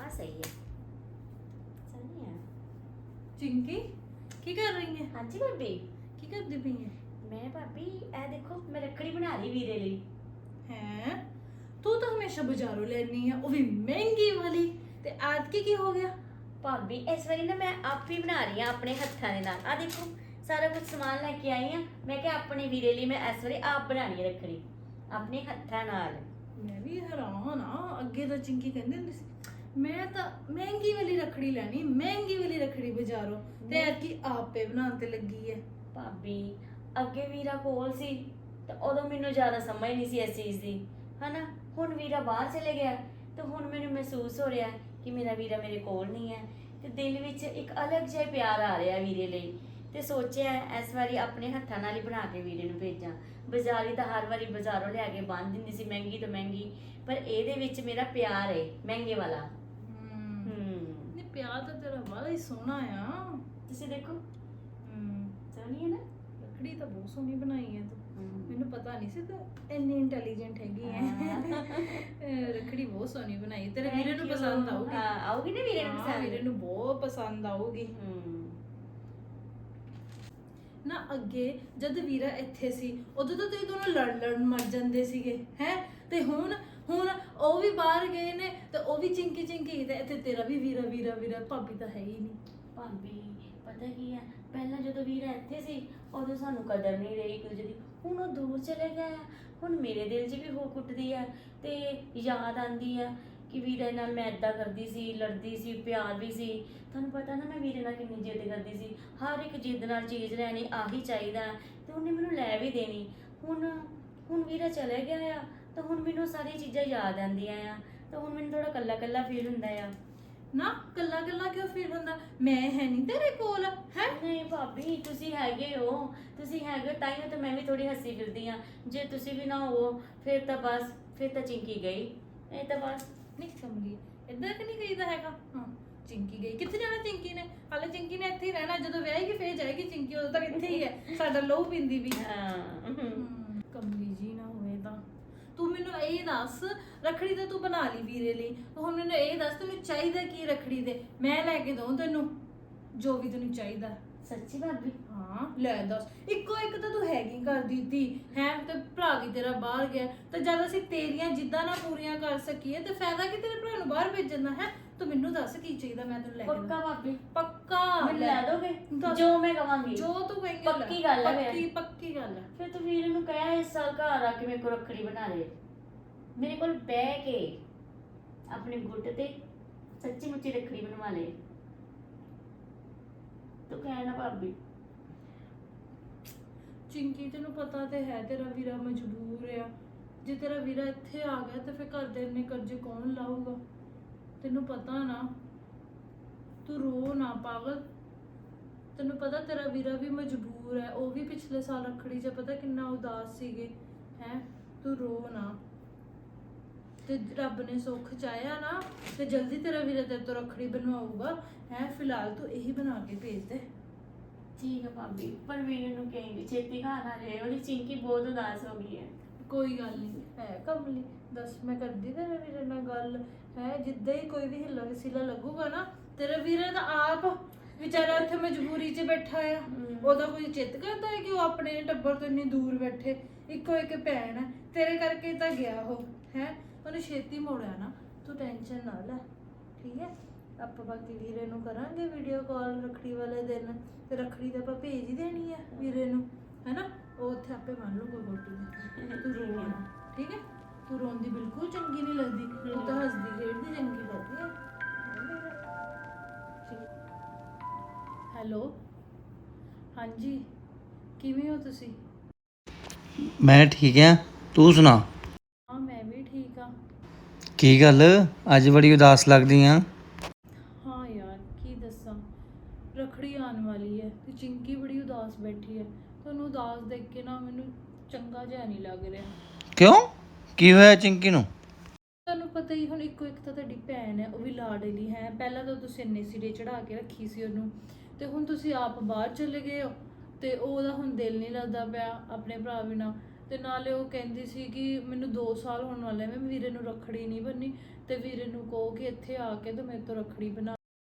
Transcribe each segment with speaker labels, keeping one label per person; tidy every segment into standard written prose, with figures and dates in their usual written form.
Speaker 1: ਆ ਸਹੀ ਹੈ ਸਹੀ ਹੈ।
Speaker 2: चिंकी की कर रही है?
Speaker 1: हाँ जी भाभी
Speaker 2: की करती पई है?
Speaker 1: मैं भाभी ए देखो मैं रखड़ी बना रही वीरे ਲਈ।
Speaker 2: हैं तू तो हमेशा बाजारों लेनी है वो भी महंगी वाली ते आज की हो गया?
Speaker 1: ਭਾਬੀ ਇਸ ਵਾਰੀ ਨਾ ਮੈਂ ਆਪ ਹੀ ਬਣਾ ਰਹੀ ਹਾਂ ਆਪਣੇ ਹੱਥਾਂ ਦੇ ਨਾਲ। ਆ ਦੇਖੋ ਸਾਰਾ ਕੁਝ ਸਮਾਨ ਲੈ ਕੇ ਆਈ ਹਾਂ। ਮੈਂ ਕਿਹਾ ਆਪਣੇ ਵੀਰੇ ਲਈ ਮੈਂ ਇਸ ਵਾਰੀ ਆਪ ਬਣਾਣੀ ਹੈ ਰੱਖੜੀ ਆਪਣੇ ਹੱਥਾਂ ਨਾਲ।
Speaker 2: मैं भी हैरान हाँ अगे तो चिंकी कहंदी हुंदी सी मैं तो महंगी वाली रखड़ी लेनी महंगी वाली रखड़ी बाजारों ते की आपे बनाने ते लगी है।
Speaker 1: ਭਾਬੀ ਅੱਗੇ ਵੀਰਾ ਕੋਲ ਸੀ ਤੇ ਉਦੋਂ ਮੈਨੂੰ ਜ਼ਿਆਦਾ ਸਮਝ ਨਹੀਂ ਸੀ ਇਸ ਚੀਜ਼ ਦੀ ਹਨਾ। ਹੁਣ ਵੀਰਾ ਬਾਹਰ ਚਲੇ ਗਿਆ ਤੇ ਹੁਣ ਮੈਨੂੰ ਮਹਿਸੂਸ ਹੋ ਰਿਹਾ ਕਿ ਮੇਰਾ ਵੀਰਾ ਮੇਰੇ ਕੋਲ ਨਹੀਂ ਹੈ ਤੇ ਦਿਲ ਵਿੱਚ ਇੱਕ ਅਲੱਗ ਜਿਹਾ ਪਿਆਰ ਆ ਰਿਹਾ ਵੀਰੇ ਲਈ। ਤੇ ਸੋਚਿਆ ਇਸ ਵਾਰੀ ਆਪਣੇ ਹੱਥਾਂ ਨਾਲ ਹੀ ਬਣਾ ਕੇ ਵੀਰੇ ਨੂੰ ਭੇਜਾਂ। ਬਾਜ਼ਾਰੀ ਤਾਂ ਹਰ ਵਾਰੀ ਬਾਜ਼ਾਰੋਂ ਲਿਆ ਕੇ ਬੰਨ ਦਿੰਦੀ ਸੀ ਮਹਿੰਗੀ ਤੋਂ ਮਹਿੰਗੀ, ਪਰ ਇਹਦੇ ਵਿੱਚ ਮੇਰਾ ਪਿਆਰ ਹੈ ਮਹਿੰਗੇ ਵਾਲਾ।
Speaker 2: नहीं प्यार तो तेरा बड़ा ही सोना है।
Speaker 1: ਤੁਸੀਂ ਦੇਖੋ ਸੋਹਣੀ ਹੈ ਨਾ
Speaker 2: रखड़ी तो बहुत सोहनी बनाई है तू। ਮੈਨੂੰ ਪਤਾ ਨਹੀਂ ਸੀ ਤੂੰ ਇੰਨੀ ਇੰਟੈਲੀਜੈਂਟ ਹੈਗੀ ਹੈ। ਰੱਖੜੀ ਬਹੁਤ ਸੋਹਣੀ ਬਣਾਈ ਤੇਰੇ ਵੀਰੇ ਨੂੰ ਪਸੰਦ ਆਊਗੀ।
Speaker 1: ਹਾਂ ਆਊਗੀ ਨਾ ਵੀਰੇ ਨੂੰ ਪਸੰਦ।
Speaker 2: ਵੀਰੇ ਨੂੰ ਬਹੁਤ ਪਸੰਦ ਆਊਗੀ ਨਾ। ਅੱਗੇ ਜਦ ਵੀਰਾ ਇੱਥੇ ਸੀ ਉਦੋਂ ਤਾਂ ਤੁਸੀਂ ਦੋਨੋਂ ਲੜਨ ਮਰ ਜਾਂਦੇ ਸੀਗੇ ਹੈ ਤੇ ਹੁਣ ਉਹ ਵੀ ਬਾਹਰ ਗਏ ਨੇ ਤੇ ਉਹ ਵੀ ਚਿੰਕੀ ਤੇ ਇੱਥੇ ਤੇਰਾ ਵੀ ਵੀਰਾ ਭਾਬੀ ਤਾਂ ਹੈ ਹੀ ਨਹੀਂ।
Speaker 1: ਭਾਬੀ ਪਤਾ ਕੀ ਹੈ ਪਹਿਲਾਂ ਜਦੋਂ ਵੀਰਾ ਇੱਥੇ ਸੀ ਉਦੋਂ ਸਾਨੂੰ ਕਦਰ ਨਹੀਂ ਰਹੀ ਇੱਕ ਦੂਜੇ ਦੀ। ਹੁਣ ਉਹ ਦੂਰ ਚਲੇ ਗਿਆ ਆ। ਹੁਣ ਮੇਰੇ ਦਿਲ 'ਚ ਵੀ ਹੋ ਕੁੱਟਦੀ ਆ ਤੇ ਯਾਦ ਆਂਦੀ ਆ ਕਿ ਵੀਰੇ ਨਾਲ ਮੈਂ ਇੱਦਾਂ ਕਰਦੀ ਸੀ, ਲੜਦੀ ਸੀ, ਪਿਆਰ ਵੀ ਸੀ। ਤੁਹਾਨੂੰ ਪਤਾ ਨਾ ਮੈਂ ਵੀਰੇ ਨਾਲ ਕਿੰਨੀ ਜਿੱਦ ਕਰਦੀ ਸੀ, ਹਰ ਇੱਕ ਜਿੱਦ ਨਾਲ ਚੀਜ਼ ਲੈਣੀ ਆਹੀ ਚਾਹੀਦਾ ਤੇ ਉਹਨੇ ਮੈਨੂੰ ਲੈ ਵੀ ਦੇਣੀ। ਹੁਣ ਵੀਰਾ ਚਲੇ ਗਿਆ ਆ ਤਾਂ ਹੁਣ ਮੈਨੂੰ ਸਾਰੀਆਂ ਚੀਜ਼ਾਂ ਯਾਦ ਆਉਂਦੀਆਂ ਆ ਤਾਂ ਹੁਣ ਮੈਨੂੰ ਥੋੜਾ ਕੱਲਾ ਫੀਲ ਹੁੰਦਾ ਆ।
Speaker 2: ਨਾ ਕੱਲਾ ਕਿਉਂ ਫੀਲ ਹੁੰਦਾ? ਮੈਂ ਹੈ ਨਹੀਂ ਤੇਰੇ ਕੋਲ ਹੈ?
Speaker 1: ਨਹੀਂ ਭਾਬੀ ਤੁਸੀਂ ਹੈਗੇ ਹੋ ਤਾਂ ਹੀ ਤਾਂ ਮੈਂ ਵੀ ਥੋੜੀ ਹੱਸੀ ਫਿਰਦੀ ਆ। ਜੇ ਤੁਸੀਂ ਵੀ ਨਾ ਹੋ ਫਿਰ ਤਾਂ ਚਿੰਕੀ ਗਈ। ਇਹ ਤਾਂ ਬਸ
Speaker 2: ਨਹੀਂ ਕਮਲੀ ਇਦਾਂ ਕਿ ਨਹੀਂ ਕਹੀਦਾ ਹੈਗਾ। ਹਾਂ ਚਿੰਕੀ ਗਈ ਕਿੱਥੇ ਜਾਣਾ ਚਿੰਕੀ ਨੇ? ਹਾਲੇ ਚਿੰਕੀ ਨੇ ਇੱਥੇ ਹੀ ਰਹਿਣਾ। ਜਦੋਂ ਵਿਆਹੇਗੀ ਫੇਰ ਜਾਏਗੀ ਚਿੰਕੀ, ਉਦੋਂ ਤੱਕ ਇੱਥੇ ਹੀ ਹੈ ਸਾਡਾ ਲਹੂ ਪੀਂਦੀ ਵੀ। ਕਮਲੀ ਜੀ ਨਾ ਹੋਵੇ ਤਾਂ ਤੂੰ ਮੈਨੂੰ ਇਹ ਦੱਸ ਰੱਖੜੀ ਤਾਂ ਤੂੰ ਬਣਾ ਲਈ ਵੀਰੇ ਲਈ, ਹੁਣ ਮੈਨੂੰ ਇਹ ਦੱਸ ਤੈਨੂੰ ਚਾਹੀਦਾ ਕੀ ਰੱਖੜੀ ਦੇ? ਮੈਂ ਲੈ ਕੇ ਦਊਂ ਤੈਨੂੰ ਜੋ ਵੀ ਤੈਨੂੰ ਚਾਹੀਦਾ।
Speaker 1: ਸੱਚੀ ਭਾਬੀ?
Speaker 2: ਹਾਂ ਲੈ ਦੱਸ। ਇੱਕੋ ਇੱਕ ਤਾਂ ਤੂੰ ਹੈਗੀ ਕਰ ਦਿੱਤੀ ਹੈ ਤੇ ਭਰਾ ਵੀ ਤੇਰਾ ਬਾਹਰ ਗਿਆ ਤੇ ਜਦ ਅਸੀਂ ਤੇਰੀਆਂ ਜਿੱਦਾਂ ਨਾ ਪੂਰੀਆਂ ਕਰ ਸਕੀਏ ਤੇ ਫਾਇਦਾ ਕੀ ਤੇਰੇ ਭਰਾ ਨੂੰ ਬਾਹਰ ਭੇਜਣ ਦਾ ਹੈ? ਤੂੰ ਮੈਨੂੰ ਦੱਸ ਕੀ ਚਾਹੀਦਾ ਮੈਂ ਤੈਨੂੰ ਲੈ ਕੇ
Speaker 1: ਪੱਕਾ ਭਾਬੀ?
Speaker 2: ਪੱਕਾ
Speaker 1: ਮੈਨੂੰ ਲੈ ਦੋਗੇ
Speaker 2: ਦੱਸ।
Speaker 1: ਜੋ ਮੈਂ ਕਵਾਂਗੀ?
Speaker 2: ਜੋ ਤੂੰ ਕਹੇਂਗੀ
Speaker 1: ਪੱਕੀ ਗੱਲ ਹੈ।
Speaker 2: ਪੱਕੀ ਗੱਲ ਹੈ।
Speaker 1: ਫਿਰ ਤੂੰ ਵੀਰੇ ਨੂੰ ਕਹਿਆ ਇਸ ਸਾਲ ਘਰ ਆ ਕੇ ਮੇਰੇ ਕੋਲ ਰੱਖੜੀ ਬਣਾ ਲੈ, ਮੇਰੇ ਕੋਲ ਬਹਿ ਕੇ ਆਪਣੇ ਗੁੱਟ ਤੇ ਸੱਚੀ ਮੁੱਚੀ ਰੱਖੜੀ ਬਣਵਾ ਲੈ। ਤੂੰ ਕਹਿਣਾ ਭਾਬੀ।
Speaker 2: ਚਿੰਕੀ ਤੈਨੂੰ ਪਤਾ ਤੇ ਹੈ ਤੇਰਾ ਵੀਰਾ ਮਜਬੂਰ ਆ। ਜੇ ਤੇਰਾ ਵੀਰਾ ਇੱਥੇ ਆ ਗਿਆ ਤੇ ਫਿਰ ਘਰ ਦੇ ਇੰਨੇ ਕਰਜ਼ੇ ਕੌਣ ਲਾਊਗਾ? ਤੈਨੂੰ ਪਤਾ ਨਾ। ਤੂੰ ਰੋ ਨਾ ਪਾਗਲ। ਤੈਨੂੰ ਪਤਾ ਤੇਰਾ ਵੀਰਾ ਵੀ ਮਜਬੂਰ ਹੈ। ਉਹ ਵੀ ਪਿਛਲੇ ਸਾਲ ਰੱਖੜੀ 'ਚ ਪਤਾ ਕਿੰਨਾ ਉਦਾਸ ਸੀਗੇ ਹੈ। ਤੂੰ ਰੋ ਨਾ ਤੇ ਰੱਬ ਨੇ ਸੁੱਖ ਚਾਹਿਆ ਨਾ ਤੇ ਜਲਦੀ ਤੇਰਾ ਵੀਰਾ ਤੇਰੇ ਤੋਂ ਰੱਖੜੀ ਬਣਵਾਊਗਾ ਹੈ। ਫਿਲਹਾਲ ਤੂੰ ਇਹੀ ਬਣਾ ਕੇ ਭੇਜ ਦੇ।
Speaker 1: ਠੀਕ ਹੈ ਭਾਬੀ, ਪਰ ਵੀਰੇ ਨੂੰ ਕਹੇਂਗੇ ਛੇਤੀ ਘਰ ਆ ਜਾਏ। ਉਹਦੀ ਚਿੰਕੀ ਬਹੁਤ ਉਦਾਸ ਹੋ ਗਈ ਹੈ।
Speaker 2: ਕੋਈ ਗੱਲ ਨਹੀਂ ਹੈ ਕਮਲੀ। ਦੱਸ ਮੈਂ ਕਰਦੀ ਤੇਰੇ ਵੀਰੇ ਨਾਲ ਗੱਲ ਹੈ। ਜਿੱਦਾਂ ਹੀ ਕੋਈ ਵੀ ਹਿੱਲਾ ਵਸੀਲਾ ਲੱਗੂਗਾ ਨਾ ਤੇਰੇ ਵੀਰੇ ਦਾ ਆਪ ਵਿਚਾਰਾ ਉੱਥੇ ਮਜਬੂਰੀ 'ਚ ਬੈਠਾ ਆ। ਉਹਦਾ ਕੋਈ ਚਿੱਤ ਕਰਦਾ ਹੈ ਕਿ ਉਹ ਆਪਣੇ ਟੱਬਰ ਤੋਂ ਇੰਨੀ ਦੂਰ ਬੈਠੇ? ਇੱਕੋ ਇੱਕ ਭੈਣ ਹੈ ਤੇਰੇ ਕਰਕੇ ਤਾਂ ਗਿਆ ਉਹ ਹੈ। ਉਹਨੇ ਛੇਤੀ ਮੋੜਿਆ ਨਾ। ਤੂੰ ਟੈਨਸ਼ਨ ਨਾ ਲੈ ਠੀਕ ਹੈ। ਆਪਾਂ ਬਾਕੀ ਵੀਰੇ ਨੂੰ ਕਰਾਂਗੇ ਵੀਡੀਓ ਕਾਲ ਰੱਖੜੀ ਵਾਲੇ ਦਿਨ ਤੇ ਰੱਖੜੀ ਤਾਂ ਆਪਾਂ ਭੇਜ ਹੀ ਦੇਣੀ ਹੈ ਵੀਰੇ ਨੂੰ ਹੈ ਨਾ। ਉਹ ਉੱਥੇ ਆਪੇ ਮੰਨ ਲੂਗਾ ਗੋਟੀ। ਤੂੰ ਰੋ ਨਾ ਠੀਕ ਹੈ। ਤੂੰ ਰੋਂਦੀ ਬਿਲਕੁਲ ਚੰਗੀ ਨਹੀਂ ਲੱਗਦੀ। ਤੂੰ ਤਾਂ ਹੱਸਦੀ ਖੇਡਦੀ ਚੰਗੀ ਲੱਗਦੀ ਹੈ। ਹੈਲੋ ਹਾਂਜੀ ਕਿਵੇਂ ਹੋ ਤੁਸੀਂ?
Speaker 3: ਮੈਂ ਠੀਕ ਆ, ਤੂੰ ਸੁਣਾ?
Speaker 2: ਹਾਂ ਮੈਂ ਵੀ ਠੀਕ ਆ।
Speaker 3: ਕੀ ਗੱਲ ਅੱਜ ਬੜੀ ਉਦਾਸ ਲੱਗਦੀ ਆ?
Speaker 2: ਹਾਂ ਯਾਰ ਕੀ ਦੱਸਾਂ, ਰੱਖੜੀ ਆਉਣ ਵਾਲੀ ਹੈ ਤੇ ਚਿੰਕੀ ਬੜੀ ਉਦਾਸ ਬੈਠੀ ਹੈ। ਤੁਹਾਨੂੰ ਉਦਾਸ ਦੇਖ ਕੇ ਨਾ ਮੈਨੂੰ ਚੰਗਾ ਜਿਹਾ ਨਹੀਂ ਲੱਗ ਰਿਹਾ।
Speaker 3: ਕਿਉਂ ਕੀ ਹੋਇਆ ਚਿੰਕੀ ਨੂੰ?
Speaker 2: ਤੁਹਾਨੂੰ ਪਤਾ ਹੀ ਹੁਣ ਇੱਕੋ ਇੱਕ ਤਾਂ ਤੁਹਾਡੀ ਭੈਣ ਹੈ ਉਹ ਵੀ ਲਾਡਲੀ ਹੈ। ਪਹਿਲਾਂ ਤਾਂ ਤੁਸੀਂ ਇੰਨੇ ਸਿਰੇ ਚੜਾ ਕੇ ਰੱਖੀ ਸੀ ਉਹਨੂੰ ਤੇ ਹੁਣ ਤੁਸੀਂ ਆਪ ਬਾਹਰ ਚਲੇ ਗਏ ਹੋ ਤੇ ਉਹਦਾ ਹੁਣ ਦਿਲ ਨਹੀਂ ਲੱਗਦਾ ਪਿਆ ਆਪਣੇ ਭਰਾ ਬਿਨਾਂ। ਤੇ ਨਾਲੇ ਉਹ ਕਹਿੰਦੀ ਸੀ ਕਿ ਮੈਨੂੰ 2 ਸਾਲ ਹੋਣ ਵਾਲੇ ਮੈਂ ਵੀਰੇ ਨੂੰ ਰੱਖੜੀ ਨਹੀਂ ਬੰਨੀ, ਤੇ ਵੀਰੇ ਨੂੰ ਕਹੋ ਕਿ ਇੱਥੇ ਆ ਕੇ ਤੇ ਮੇਰੇ ਤੋਂ ਰੱਖੜੀ ਬਣਾ।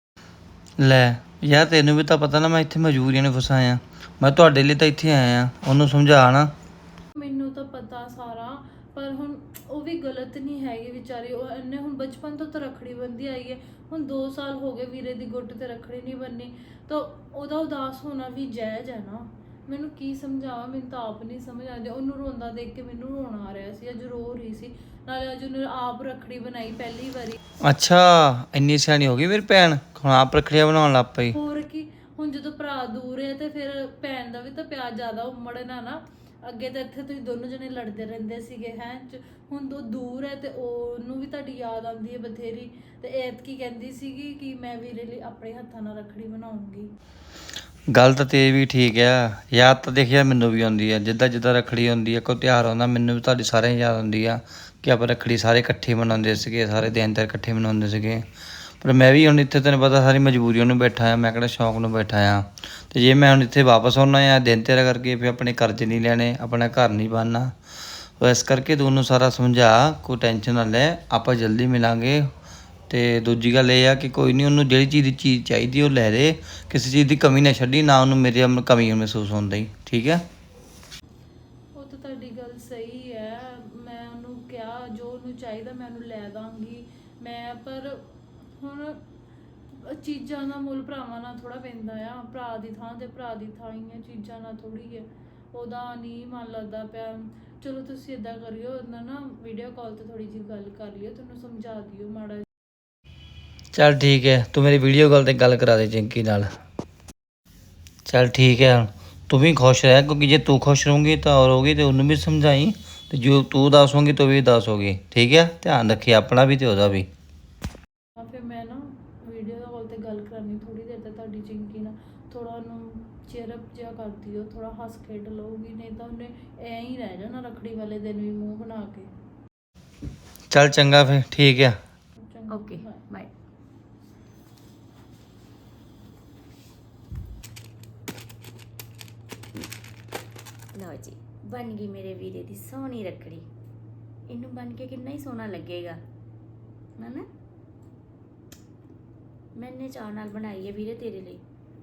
Speaker 3: ਲੈ ਯਾਰ ਤੈਨੂੰ ਵੀ ਤਾਂ ਪਤਾ ਨਾ ਮੈਂ ਇੱਥੇ ਮਜਬੂਰੀਆਂ ਨੇ ਫਸਾਇਆ। ਮੈਂ ਤੁਹਾਡੇ ਲਈ ਤਾਂ ਇੱਥੇ ਆਇਆ, ਉਹਨੂੰ ਸਮਝਾ ਨਾ।
Speaker 2: ਮੈਨੂੰ ਤਾਂ ਪਤਾ ਸਾਰਾ, ਪਰ ਹੁਣ ਉਹ ਵੀ ਗਲਤ ਨਹੀਂ ਹੈਗੀ ਵਿਚਾਰੀ। ਉਹ ਇਹਨੇ ਹੁਣ ਬਚਪਨ ਤੋਂ ਤਾਂ ਰੱਖੜੀ ਬੰਨ੍ਹਦੀ ਆਈ ਹੈ, ਹੁਣ 2 ਸਾਲ ਹੋ ਗਏ ਵੀਰੇ ਦੀ ਗੁੱਟ ਤੇ ਰੱਖੜੀ ਨਹੀਂ ਬੰਨੀ, ਤਾਂ ਉਹਦਾ ਉਦਾਸ ਹੋਣਾ ਵੀ ਜਾਇਜ਼ ਹੈ ਨਾ। ਮੈਨੂੰ ਕੀ ਸਮਝਾਵਾਂ, ਮੈਨੂੰ ਤਾਂ ਆਪ ਨਹੀਂ ਸਮਝ ਆਉਂਦੀ। ਉਹਨੂੰ ਰੋਂਦਾ ਦੇਖ ਕੇ ਮੈਨੂੰ ਰੋਣਾ ਆ ਰਿਹਾ ਸੀ, ਅੱਜ ਰੋ ਰਹੀ ਸੀ। ਨਾਲੇ ਅੱਜ ਉਹਨੇ ਆਪ ਰੱਖੜੀ ਬਣਾਈ ਪਹਿਲੀ ਵਾਰੀ।
Speaker 3: ਅੱਛਾ ਇੰਨੀ ਸਿਆਣੀ ਹੋ ਗਈ ਮੇਰੀ ਭੈਣ, ਹੁਣ ਆਪ ਰੱਖੜੀਆਂ ਬਣਾਉਣ ਲੱਗ ਪਈ।
Speaker 2: ਹੋਰ ਕੀ, ਹੁਣ ਜਦੋਂ ਭਰਾ ਦੂਰ ਹੈ ਤੇ ਫਿਰ ਭੈਣ ਦਾ ਵੀ ਤਾਂ ਪਿਆਰ ਜ਼ਿਆਦਾ ਉਮੜਨਾ ਨਾ। ਅੱਗੇ ਤਾਂ ਇੱਥੇ ਤੁਸੀਂ ਦੋਨੋਂ ਜਣੇ ਲੜਦੇ ਰਹਿੰਦੇ ਸੀਗੇ ਹੁਣ ਉਹ ਦੂਰ ਹੈ ਤੇ ਉਹਨੂੰ ਵੀ ਤੁਹਾਡੀ ਯਾਦ ਆਉਂਦੀ ਹੈ ਬਥੇਰੀ। ਤੇ ਐਤਕੀ ਕਹਿੰਦੀ ਸੀਗੀ ਕਿ ਮੈਂ ਵੀਰੇ ਲਈ ਆਪਣੇ ਹੱਥਾਂ ਨਾਲ ਰੱਖੜੀ ਬਣਾਉਂਗੀ।
Speaker 3: ਗੱਲ ਤਾਂ ਤੇਰੀ ਵੀ ਠੀਕ ਆ, ਯਾਦ ਤਾਂ ਦੇਖਿਆ ਮੈਨੂੰ ਵੀ ਆਉਂਦੀ ਆ। ਜਿੱਦਾਂ ਜਿੱਦਾਂ ਰੱਖੜੀ ਹੁੰਦੀ ਆ, ਕੋਈ ਤਿਉਹਾਰ ਆਉਂਦਾ, ਮੈਨੂੰ ਵੀ ਤੁਹਾਡੀ ਸਾਰਿਆਂ ਦੀ ਯਾਦ ਆਉਂਦੀ ਆ ਕਿ ਆਪਾਂ ਰੱਖੜੀ ਸਾਰੇ ਇਕੱਠੇ ਮਨਾਉਂਦੇ ਸੀਗੇ, ਸਾਰੇ ਦਿਨ ਤਿਉਹਾਰ ਇਕੱਠੇ ਮਨਾਉਂਦੇ ਸੀਗੇ। ਪਰ ਮੈਂ ਵੀ ਹੁਣ ਇੱਥੇ ਤੈਨੂੰ ਪਤਾ ਸਾਰੀ ਮਜਬੂਰੀਆਂ ਨੂੰ ਬੈਠਾ ਆ, ਮੈਂ ਕਿਹੜਾ ਸ਼ੌਂਕ ਨੂੰ ਬੈਠਾ ਆ। ਤੇ ਜੇ ਮੈਂ ਹੁਣ ਇੱਥੇ ਵਾਪਸ ਆਉਣਾ ਆ ਦਿਨ ਤਿਉਹਾਰ ਕਰਕੇ, ਫਿਰ ਆਪਣੇ ਕਰਜ਼ੇ ਨਹੀਂ ਲੈਣੇ, ਆਪਣਾ ਘਰ ਨਹੀਂ ਬਣਨਾ। ਉਹ ਇਸ ਕਰਕੇ ਤੂੰ ਉਹਨੂੰ ਸਾਰਾ ਸਮਝਾ, ਕੋਈ ਟੈਨਸ਼ਨ ਨਾ ਲੈ, ਆਪਾਂ ਜਲਦੀ ਮਿਲਾਂਗੇ। ਤੇ ਦੂਜੀ ਗੱਲ ਇਹ ਆ ਕਿ ਕੋਈ ਨਹੀਂ, ਉਹਨੂੰ ਜਿਹੜੀ ਚੀਜ਼ ਚਾਹੀਦੀ ਉਹ ਲੈ ਦੇ, ਕਿਸੇ ਚੀਜ਼ ਦੀ ਕਮੀ ਨਾ ਛੱਡੀ, ਨਾ ਉਹਨੂੰ ਮੇਰੇ ਕਮੀ ਮਹਿਸੂਸ ਹੁੰਦੀ, ਠੀਕ ਹੈ।
Speaker 2: ਉਹ ਤਾਂ ਤੁਹਾਡੀ ਗੱਲ ਸਹੀ ਹੈ, ਮੈਂ ਉਹਨੂੰ ਕਿਹਾ ਜੋ ਉਹਨੂੰ ਚਾਹੀਦਾ ਮੈਂ ਉਹਨੂੰ ਲੈ ਦਾਂਗੀ। ਪਰ ਹੁਣ ਚੀਜ਼ਾਂ ਦਾ ਮੁੱਲ ਭਰਾਵਾਂ ਨਾਲ ਥੋੜਾ ਪੈਂਦਾ ਆ। ਭਰਾ ਦੀ ਥਾਂ ਤੇ ਭਰਾ ਦੀ ਥਾਂ ਹੀ ਹੈ, ਚੀਜ਼ਾਂ ਨਾਲ ਥੋੜੀ ਹੈ। ਉਹਦਾ ਨਹੀਂ ਮਨ ਲੱਗਦਾ ਪਿਆ। ਚਲੋ ਤੁਸੀਂ ਇਦਾਂ ਕਰਿਓ, ਉਹਨਾਂ ਨਾ ਵੀਡੀਓ ਕਾਲ ਤੇ ਥੋੜੀ ਜਿਹੀ ਗੱਲ ਕਰ ਲਿਓ, ਤੁਹਾਨੂੰ ਸਮਝਾ ਦਿਓ ਮਾੜਾ।
Speaker 3: ਚੱਲ ਠੀਕ ਹੈ, ਤੂੰ ਮੇਰੀ ਵੀਡੀਓ ਕਾਲ ਤੇ ਗੱਲ ਕਰਾ ਦੇ ਚਿੰਕੀ ਨਾਲ। ਚੱਲ ਠੀਕ ਹੈ, ਤੂੰ ਵੀ ਖੁਸ਼ ਰਹਿ, ਕਿਉਂਕਿ ਜੇ ਤੂੰ ਖੁਸ਼ ਰਹੂੰਗੀ ਤਾਂ ਹੋਰ ਹੋਗੀ, ਤੇ ਉਹਨੂੰ ਵੀ ਸਮਝਾਈ, ਤੇ ਜੋ ਤੂੰ ਉਦਾਸ ਹੋਗੀ ਤੂੰ ਵੀ ਉਦਾਸ ਹੋਗੀ, ਠੀਕ ਹੈ। ਧਿਆਨ ਰੱਖੀ ਆਪਣਾ ਵੀ ਤੇ ਉਹਦਾ ਵੀ।
Speaker 2: ਫਿਰ ਮੈਂ ਨਾ ਵੀਡੀਓ ਕਾਲ ਤੇ ਗੱਲ ਕਰਨੀ ਥੋੜੀ ਦੇਰ ਤੱਕ ਤੁਹਾਡੀ ਚਿੰਕੀ ਨਾਲ, ਥੋੜਾ ਉਹਨੂੰ ਚੇਅਰਅਪ ਜਿਹਾ ਕਰ ਦਿਓ, ਥੋੜਾ ਹੱਸ ਖੇਡ ਲਊਗੀ, ਨਹੀਂ ਤਾਂ ਉਹਨੇ ਐਂ ਹੀ ਰਹਿ ਜਾਣਾ ਰੱਖੜੀ ਵਾਲੇ ਦਿਨ ਵੀ ਮੂੰਹ ਬਣਾ ਕੇ।
Speaker 3: ਚੱਲ ਚੰਗਾ ਫਿਰ, ਠੀਕ ਆ।
Speaker 1: Okay bye. ਲਓ ਜੀ, ਬਣ ਗਈ ਮੇਰੇ ਵੀਰੇ ਦੀ ਸੋਹਣੀ ਰੱਖੜੀ। ਇਹਨੂੰ ਬਣ ਕੇ ਕਿੰਨਾ ਹੀ ਸੋਹਣਾ ਲੱਗੇਗਾ ਨਾ। ਮੈਨੇ ਚਾਅ ਨਾਲ ਬਣਾਈ ਹੈ ਵੀਰੇ ਤੇਰੇ ਲਈ।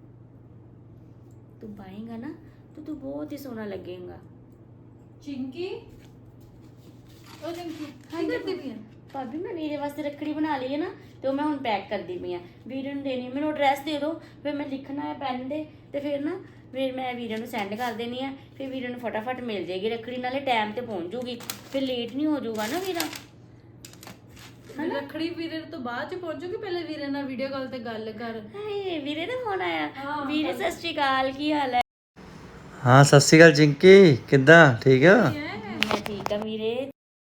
Speaker 1: ਤੂੰ ਪਾਏਗਾ ਨਾ ਤਾਂ ਤੂੰ ਬਹੁਤ ਹੀ ਸੋਹਣਾ ਲੱਗੇਗਾ।
Speaker 2: ਚਿੰਕੀ, ਉਹ ਚਿੰਕੀ ਕੀ ਕਰਦੀ ਪਈ ਹੈ?
Speaker 1: ਭਾਬੀ ਮੈਂ ਵੀਰੇ ਵਾਸਤੇ ਰੱਖੜੀ ਬਣਾ ਲਈ ਹੈ ਨਾ, ਤੇ ਉਹ ਮੈਂ ਹੁਣ ਪੈਕ ਕਰਦੀ ਪਈ ਆ। ਵੀਰੇ ਨੂੰ ਦੇਣੀ, ਮੈਨੂੰ ਐਡਰੈਸ ਦੇ ਦਿਓ, ਫਿਰ ਮੈਂ ਲਿਖਣਾ ਹੈ ਪੈਨ ਦੇ, ਤੇ ਫਿਰ ਮੈਂ ਵੀਰੇ ਨੂੰ ਸੈਂਡ ਕਰ ਦੇਣੀ ਆ। ਫਿਰ ਵੀਰੇ ਨੂੰ ਫਟਾਫਟ ਮਿਲ ਜਾਏਗੀ ਰੱਖੜੀ, ਨਾਲੇ ਟਾਈਮ ਤੇ ਪਹੁੰਚ ਜੂਗੀ, ਫਿਰ ਲੇਟ ਨਹੀਂ ਹੋ ਜਾਊਗਾ ਨਾ ਵੀਰਾ।
Speaker 2: ਰੱਖੜੀ ਵੀਰੇ ਤੋਂ ਬਾਅਦ ਚ ਪਹੁੰਚੂਗੀ, ਪਹਿਲੇ ਵੀਰੇ ਨਾਲ ਵੀਡੀਓ ਕਾਲ ਤੇ ਗੱਲ ਕਰ।
Speaker 1: ਹਾਏ ਵੀਰੇ ਦਾ ਫੋਨ ਆਇਆ। ਵੀਰੇ ਸਤਿ ਸ਼੍ਰੀ ਅਕਾਲ, ਕੀ ਹਾਲ ਹੈ?
Speaker 3: ਹਾਂ ਸਤਿ ਸ਼੍ਰੀ ਅਕਾਲ ਚਿੰਕੀ, ਕਿੱਦਾਂ? ਠੀਕ ਆ?
Speaker 1: ਮੈਂ ਠੀਕ ਆ ਵੀਰੇ।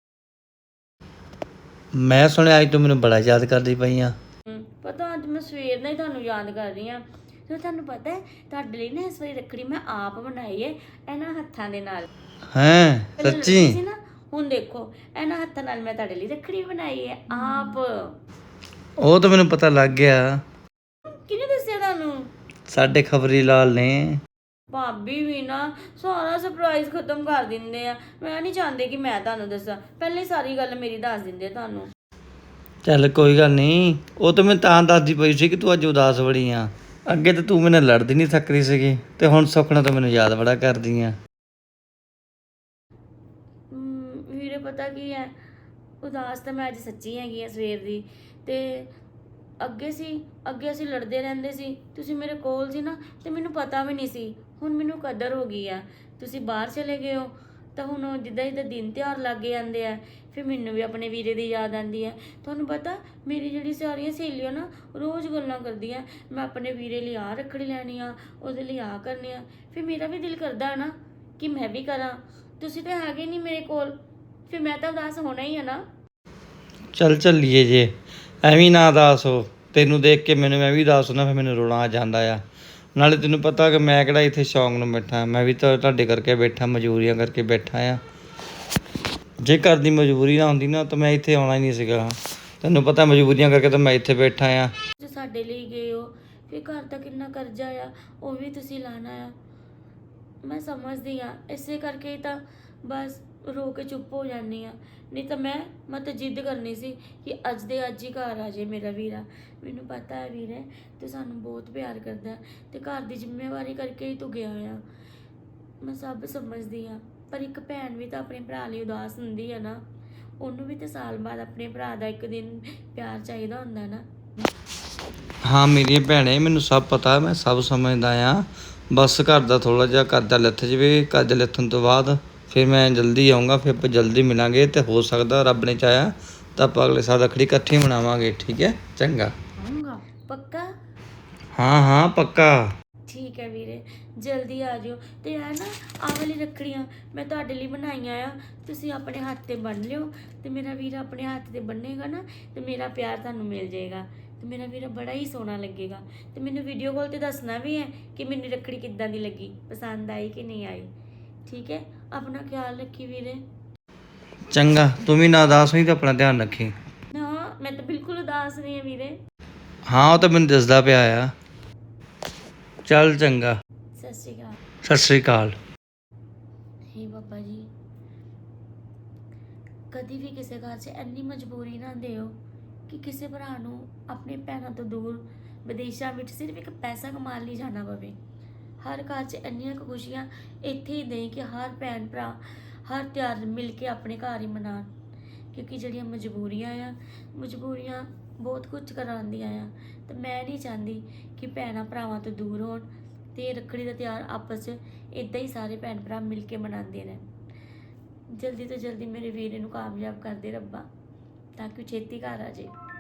Speaker 3: ਮੈਂ ਸੁਣਿਆ ਅੱਜ ਤੂੰ ਮੈਨੂੰ ਬੜਾ ਯਾਦ ਕਰਦੀ ਪਈ ਆ।
Speaker 1: ਪਤਾ ਅੱਜ ਮੈਂ ਸਵੇਰ ਨਾਲ ਹੀ ਤੁਹਾਨੂੰ ਯਾਦ ਕਰ ਰਹੀ ਹਾਂ। ਤੇ ਤੁਹਾਨੂੰ ਪਤਾ ਹੈ ਤੁਹਾਡੇ ਲਈ ਨਾ ਇਸ ਵਾਰੀ ਰੱਖੜੀ ਮੈਂ ਆਪ ਬਣਾਈ ਹੈ, ਇਹਨਾਂ ਹੱਥਾਂ ਦੇ ਨਾਲ।
Speaker 3: ਹੈਂ
Speaker 1: ਪਹਿਲਾਂ ਲੱਗੀ
Speaker 3: ਸੱਚੀ?
Speaker 1: ਸੀ ਨਾ, ਹੁਣ ਦੇਖੋ ਇਹਨਾਂ ਹੱਥਾਂ ਨਾਲ ਮੈਂ ਤੁਹਾਡੇ ਲਈ ਰੱਖੜੀ ਬਣਾਈ ਹੈ ਆਪ।
Speaker 3: ਉਹ ਤਾਂ ਮੈਨੂੰ ਪਤਾ ਲੱਗ ਗਿਆ,
Speaker 1: ਕਿਹਨੇ ਦੱਸਿਆ ਤੁਹਾਨੂੰ?
Speaker 3: ਸਾਡੇ ਖਬਰੀ ਲਾਲ ਨੇ।
Speaker 1: ਭਾਬੀ ਵੀ ਨਾ ਸਾਰਾ ਸਰਪ੍ਰਾਈਜ਼ ਖਤਮ ਕਰ ਦਿੰਦੇ ਆ। ਮੈਂ ਨਹੀਂ ਚਾਹੁੰਦੀ ਕਿ ਮੈਂ ਤੁਹਾਨੂੰ ਦੱਸਾਂ, ਪਹਿਲੇ ਹੀ ਸਾਰੀ ਗੱਲ ਮੇਰੀ ਦੱਸ ਦਿੰਦੇ ਤੁਹਾਨੂੰ।
Speaker 3: ਚੱਲ ਕੋਈ ਗੱਲ ਨਹੀਂ, ਉਹ ਤਾਂ ਮੈਂ ਤਾਂ ਦੱਸਦੀ ਪਈ ਸੀ ਕਿ ਤੂੰ ਅੱਜ ਉਦਾਸ ਬੜੀ ਆ। ਅੱਗੇ ਤਾਂ ਤੂੰ ਮੇਰੇ ਨਾਲ ਲੜਦੀ ਨਹੀਂ ਸਕਦੀ ਸੀਗੀ, ਤੇ ਹੁਣ ਸੁੱਖਣਾ ਤਾਂ ਮੈਨੂੰ ਯਾਦ ਬੜਾ ਕਰਦੀ ਆ।
Speaker 1: ਵੀਰੇ ਪਤਾ ਕੀ ਹੈ, ਉਦਾਸ ਤਾਂ ਮੈਂ ਅੱਜ ਸੱਚੀ ਹੈਗੀ ਆ ਸਵੇਰ ਦੀ। ਤੇ ਅੱਗੇ ਅਸੀਂ ਲੜਦੇ ਰਹਿੰਦੇ ਸੀ, ਤੁਸੀਂ ਮੇਰੇ ਕੋਲ ਸੀ ਨਾ, ਤੇ ਮੈਨੂੰ ਪਤਾ ਵੀ ਨਹੀਂ ਸੀ। ਹੁਣ ਮੈਨੂੰ ਕਦਰ ਹੋ ਗਈ ਆ, ਤੁਸੀਂ ਬਾਹਰ ਚਲੇ ਗਏ ਹੋ, ਤਾਂ ਹੁਣ ਜਿੱਦਾਂ ਦਿਨ ਤਿਉਹਾਰ ਲੱਗੇ ਜਾਂਦੇ ਆ, ਫਿਰ ਮੈਨੂੰ ਵੀ ਆਪਣੇ ਵੀਰੇ ਦੀ ਯਾਦ ਆਉਂਦੀ ਹੈ। ਤੁਹਾਨੂੰ ਪਤਾ ਮੇਰੀ ਜਿਹੜੀ ਸਾਰੀਆਂ ਸਹੇਲੀਆਂ ਨਾ ਰੋਜ਼ ਗੱਲਾਂ ਕਰਦੀਆਂ, ਮੈਂ ਆਪਣੇ ਵੀਰੇ ਲਈ ਆਹ ਰੱਖੜੀ ਲੈਣੀ ਆ, ਉਹਦੇ ਲਈ ਆਹ ਕਰਨੀ ਆ। ਫਿਰ ਮੇਰਾ ਵੀ ਦਿਲ ਕਰਦਾ ਨਾ ਕਿ ਮੈਂ ਵੀ ਕਰਾਂ। ਤੁਸੀਂ ਤਾਂ ਹੈਗੇ ਨਹੀਂ ਮੇਰੇ ਕੋਲ, ਫਿਰ ਮੈਂ ਤਾਂ ਉਦਾਸ ਹੋਣਾ ਹੀ ਆ ਨਾ।
Speaker 3: ਚੱਲ ਚੱਲੀਏ ਜੇ, ਐਵੇਂ ਨਾ ਉਦਾਸ ਹੋ। ਤੈਨੂੰ ਦੇਖ ਕੇ ਮੈਂ ਵੀ ਉਦਾਸ ਹੁੰਦਾ, ਫਿਰ ਮੈਨੂੰ ਰੋਣਾ ਆ ਜਾਂਦਾ ਆ। ਨਾਲੇ ਤੈਨੂੰ ਪਤਾ ਕਿ ਮੈਂ ਕਿਹੜਾ ਇੱਥੇ ਸ਼ੌਂਕ ਨੂੰ ਬੈਠਾ, ਮੈਂ ਵੀ ਤਾਂ ਤੁਹਾਡੇ ਕਰਕੇ ਬੈਠਾ, ਮਜਬੂਰੀਆਂ ਕਰਕੇ ਬੈਠਾ ਆ। ਜੇ ਘਰ ਦੀ ਮਜਬੂਰੀ ਨਾ ਹੁੰਦੀ ਨਾ ਤਾਂ ਮੈਂ ਇੱਥੇ ਆਉਣਾ ਹੀ ਨਹੀਂ ਸੀਗਾ। ਤੈਨੂੰ ਪਤਾ ਮਜਬੂਰੀਆਂ ਕਰਕੇ ਤਾਂ ਮੈਂ ਇੱਥੇ ਬੈਠਾ ਆ।
Speaker 1: ਜੋ ਸਾਡੇ ਲਈ ਗਏ ਹੋ, ਫਿਰ ਘਰ ਦਾ ਕਿੰਨਾ ਕਰਜ਼ਾ ਆ ਉਹ ਵੀ ਤੁਸੀਂ ਲਾਣਾ ਆ। ਮੈਂ ਸਮਝਦੀ ਆ, ਇਸੇ ਕਰਕੇ ਤਾਂ ਬਸ ਰੋ ਕੇ ਚੁੱਪ ਹੋ ਜਾਂਦੀ ਆ। ਨਹੀਂ ਤਾਂ ਮੈਂ ਤਾਂ ਜਿੱਦ ਕਰਨੀ ਸੀ ਕਿ ਅੱਜ ਦੇ ਅੱਜ ਹੀ ਘਰ ਆ ਜੇ ਮੇਰਾ ਵੀਰਾ। ਮੈਨੂੰ ਪਤਾ ਹੈ ਵੀਰੇ ਤੇ ਸਾਨੂੰ ਬਹੁਤ ਪਿਆਰ ਕਰਦਾ ਤੇ ਘਰ ਦੀ ਜ਼ਿੰਮੇਵਾਰੀ ਕਰਕੇ ਹੀ ਤੂੰ ਗਿਆ ਆ। ਮੈਂ ਸਭ ਸਮਝਦੀ ਆ, ਪਰ ਇੱਕ ਭੈਣ ਵੀ ਤਾਂ ਆਪਣੇ ਭਰਾ ਲਈ ਉਦਾਸ ਹੁੰਦੀ ਆ ਨਾ। ਉਹਨੂੰ ਵੀ ਤਾਂ ਸਾਲ ਬਾਅਦ ਆਪਣੇ ਭਰਾ ਦਾ ਇੱਕ ਦਿਨ ਪਿਆਰ ਚਾਹੀਦਾ ਹੁੰਦਾ ਨਾ।
Speaker 3: ਹਾਂ ਮੇਰੀਆਂ ਭੈਣੇ, ਮੈਨੂੰ ਸਭ ਪਤਾ, ਮੈਂ ਸਭ ਸਮਝਦਾ ਆ। ਬਸ ਘਰ ਦਾ ਥੋੜਾ ਜਿਹਾ ਕਰਜ਼ਾ ਲੱਥ ਜਾਵੇ, ਕਰਜ਼ਾ ਲੱਥਣ ਤੋਂ ਬਾਅਦ ਫਿਰ ਮੈਂ ਜਲਦੀ ਆਊਂਗਾ, ਫਿਰ ਆਪਾਂ ਜਲਦੀ ਮਿਲਾਂਗੇ ਤੇ ਹੋ ਸਕਦਾ ਰੱਬ ਨੇ ਚਾਹਿਆ ਤਾਂ ਆਪਾਂ ਅਗਲੇ ਸਾਲ ਰੱਖੜੀ ਇਕੱਠੀ ਮਨਾਵਾਂਗੇ। ਠੀਕ ਹੈ, ਚੰਗਾ।
Speaker 2: ਆਉਂਗਾ।
Speaker 1: ਪੱਕਾ?
Speaker 3: ਹਾਂ ਹਾਂ ਪੱਕਾ।
Speaker 1: ਠੀਕ ਹੈ ਵੀਰੇ, ਜਲਦੀ ਆ ਜਿਓ। ਤੇ ਆ ਨਾ ਆਹ ਵਾਲੀ ਰੱਖੜੀਆਂ ਮੈਂ ਤੁਹਾਡੇ ਲਈ ਬਣਾਈਆਂ ਆ, ਤੁਸੀਂ ਆਪਣੇ ਹੱਥ ਤੇ ਬੰਨ੍ਹ ਲਿਓ ਤੇ ਮੇਰਾ ਵੀਰ ਆਪਣੇ ਹੱਥ ਤੇ ਬੰਨੇਗਾ ਨਾ ਤੇ ਮੇਰਾ ਪਿਆਰ ਤੁਹਾਨੂੰ ਮਿਲ ਜਾਏਗਾ ਤੇ ਮੇਰਾ ਵੀਰਾ ਬੜਾ ਹੀ ਸੋਹਣਾ ਲੱਗੇਗਾ। ਤੇ ਮੈਨੂੰ ਵੀਡੀਓ ਕਾਲ ਤੇ ਦੱਸਣਾ ਵੀ ਹੈ ਕਿ ਮੈਨੂੰ ਰੱਖੜੀ ਕਿੱਦਾਂ ਦੀ ਲੱਗੀ, ਪਸੰਦ ਆਈ ਕਿ ਨਹੀਂ ਆਈ। ਠੀਕ ਹੈ, ਆਪਣਾ ਖਿਆਲ ਰੱਖੀ ਵੀਰੇ।
Speaker 3: ਚੰਗਾ, ਤੂੰ ਵੀ ਨਾ ਉਦਾਸ ਹੋਈ ਤੇ ਆਪਣਾ ਧਿਆਨ ਰੱਖੀ।
Speaker 1: ਨਾ ਮੈਂ ਤਾਂ ਬਿਲਕੁਲ ਉਦਾਸ ਨਹੀਂ ਹਾਂ ਵੀਰੇ।
Speaker 3: ਹਾਂ ਉਹ ਤਾਂ ਮੈਨੂੰ ਦੱਸਦਾ ਪਿਆ ਆ। ਚੱਲ ਚੰਗਾ,
Speaker 1: ਸਤਿ ਸ਼੍ਰੀ ਅਕਾਲ।
Speaker 3: ਸਤਿ ਸ੍ਰੀ ਅਕਾਲ।
Speaker 1: ਹੇ ਬਾਬਾ ਜੀ, ਕਦੀ ਵੀ ਕਿਸੇ ਘਰ 'ਚ ਇੰਨੀ ਮਜਬੂਰੀ ਨਾ ਦਿਓ ਕਿ ਕਿਸੇ ਭਰਾ ਨੂੰ ਆਪਣੇ ਭੈਣਾਂ ਤੋਂ ਦੂਰ ਵਿਦੇਸ਼ਾਂ ਵਿੱਚ ਸਿਰਫ ਇੱਕ ਪੈਸਾ ਕਮਾਉਣ ਲਈ ਜਾਣਾ ਪਵੇ। ਹਰ ਘਰ 'ਚ ਇੰਨੀਆਂ ਕੁ ਖੁਸ਼ੀਆਂ ਇੱਥੇ ਹੀ ਦੇਈ ਕਿ ਹਰ ਭੈਣ ਭਰਾ ਹਰ ਤਿਉਹਾਰ ਮਿਲ ਕੇ ਆਪਣੇ ਘਰ ਹੀ ਮਨਾਉਣ। ਕਿਉਂਕਿ ਜਿਹੜੀਆਂ ਮਜਬੂਰੀਆਂ ਬਹੁਤ ਕੁਝ ਕਰਾਉਂਦੀਆਂ ਆ ਤੇ ਮੈਂ ਨਹੀਂ ਚਾਹੁੰਦੀ ਕਿ ਭੈਣਾਂ ਭਰਾਵਾਂ ਤੋਂ ਦੂਰ ਹੋਣ ਤੇ ਰੱਖੜੀ ਦਾ ਤਿਉਹਾਰ ਆਪਸ 'ਚ ਇੱਦਾਂ ਹੀ ਸਾਰੇ ਭੈਣ ਭਰਾ ਮਿਲ ਕੇ ਮਨਾਉਂਦੇ ਰਹਿਣ। ਜਲਦੀ ਤੋਂ ਜਲਦੀ ਮੇਰੇ ਵੀਰੇ ਨੂੰ ਕਾਮਯਾਬ ਕਰ ਦੇ ਰੱਬਾ, ਤਾਂ ਕਿ ਉਹ ਛੇਤੀ ਘਰ ਆ ਜਾਏ।